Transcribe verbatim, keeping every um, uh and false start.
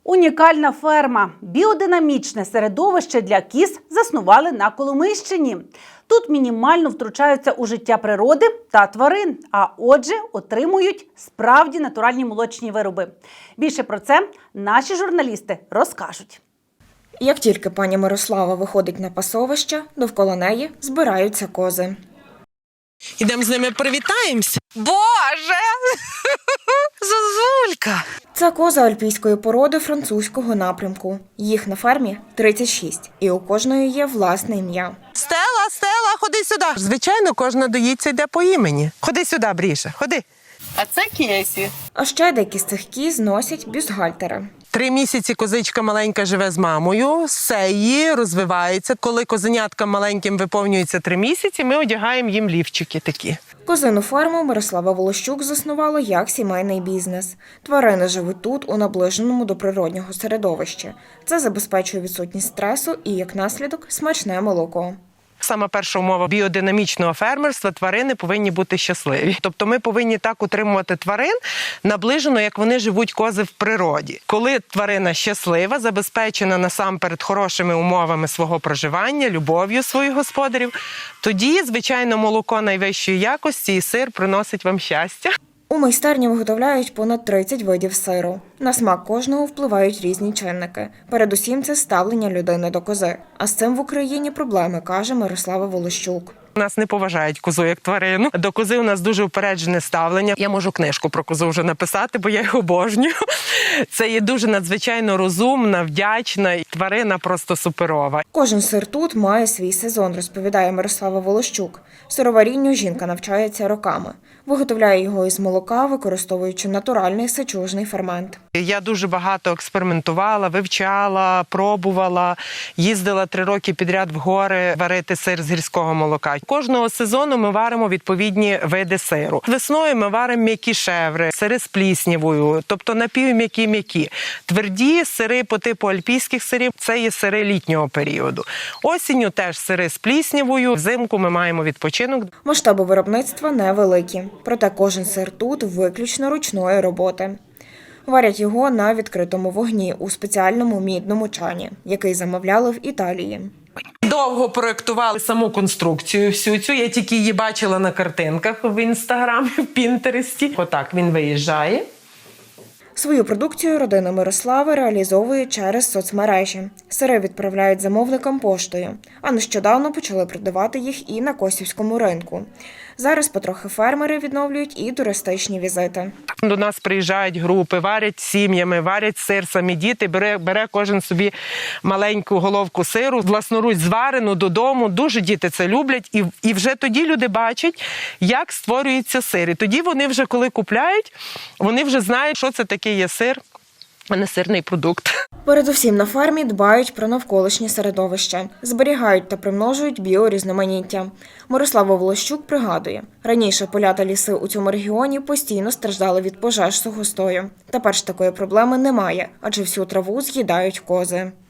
Унікальна ферма, біодинамічне середовище для кіз заснували на Коломийщині. Тут мінімально втручаються у життя природи та тварин, а отже отримують справді натуральні молочні вироби. Більше про це наші журналісти розкажуть. Як тільки пані Мирослава виходить на пасовище, довкола неї збираються кози. Ідемо з ними привітаємося. Боже! Зозулька! Це кози альпійської породи французького напрямку. Їх на фермі тридцять шість, і у кожної є власне ім'я. Стела, Стела, ходи сюди. Звичайно, кожна доїться йде по імені. Ходи сюди, Бріша, ходи. А це Кесі. А ще деякі з цих кіз носять бюстгальтери. Три місяці козичка маленька живе з мамою, сеї, розвивається. Коли козеняткам маленьким виповнюється три місяці, ми одягаємо їм лівчики такі. Козину ферму Мирослава Волощук заснувала як сімейний бізнес. Тварини живуть тут, у наближеному до природнього середовища. Це забезпечує відсутність стресу і, як наслідок, смачне молоко. Сама перша умова біодинамічного фермерства – тварини повинні бути щасливі. Тобто ми повинні так утримувати тварин наближено, як вони живуть кози в природі. Коли тварина щаслива, забезпечена насамперед хорошими умовами свого проживання, любов'ю своїх господарів, тоді, звичайно, молоко найвищої якості і сир приносить вам щастя. У майстерні виготовляють понад тридцять видів сиру. На смак кожного впливають різні чинники. Передусім це ставлення людини до кози. А з цим в Україні проблеми, каже Мирослава Волощук. Нас не поважають козу як тварину. До кози у нас дуже упереджене ставлення. Я можу книжку про козу вже написати, бо я їх обожнюю. Це є дуже надзвичайно розумна, вдячна тварина, просто суперова. Кожен сир тут має свій сезон, розповідає Мирослава Волощук. Сироварінню жінка навчається роками. Виготовляє його із молока, використовуючи натуральний сечужний фермент. Я дуже багато експериментувала, вивчала, пробувала, їздила три роки підряд в гори варити сир з гірського молока. Кожного сезону ми варимо відповідні види сиру. Весною ми варимо м'які шеври, сири з пліснявою, тобто напівм'які-м'які. Тверді сири по типу альпійських сирів – це є сири літнього періоду. Осінню теж сири з пліснявою, взимку ми маємо відпочинок. Масштаби виробництва невеликі, проте кожен сир тут виключно ручної роботи. Варять його на відкритому вогні у спеціальному мідному чані, який замовляли в Італії. Довго проєктували саму конструкцію всю цю. Я тільки її бачила на картинках в Інстаграмі, в Пінтересті. Отак він виїжджає. Свою продукцію родина Мирослави реалізовує через соцмережі. Сири відправляють замовникам поштою, а нещодавно почали продавати їх і на Косівському ринку. Зараз потрохи фермери відновлюють і туристичні візити. До нас приїжджають групи, варять сім'ями, варять сир, самі діти, бере, бере кожен собі маленьку головку сиру, власноруч зварену додому. Дуже діти це люблять. І, і вже тоді люди бачать, як створюється сир. І тоді вони вже, коли купляють, вони вже знають, що це таке є сир, а не сирний продукт. Передусім на фермі дбають про навколишнє середовище, зберігають та примножують біорізноманіття. Мирослава Волощук пригадує, раніше поля та ліси у цьому регіоні постійно страждали від пожеж сухостою. Тепер ж такої проблеми немає, адже всю траву з'їдають кози.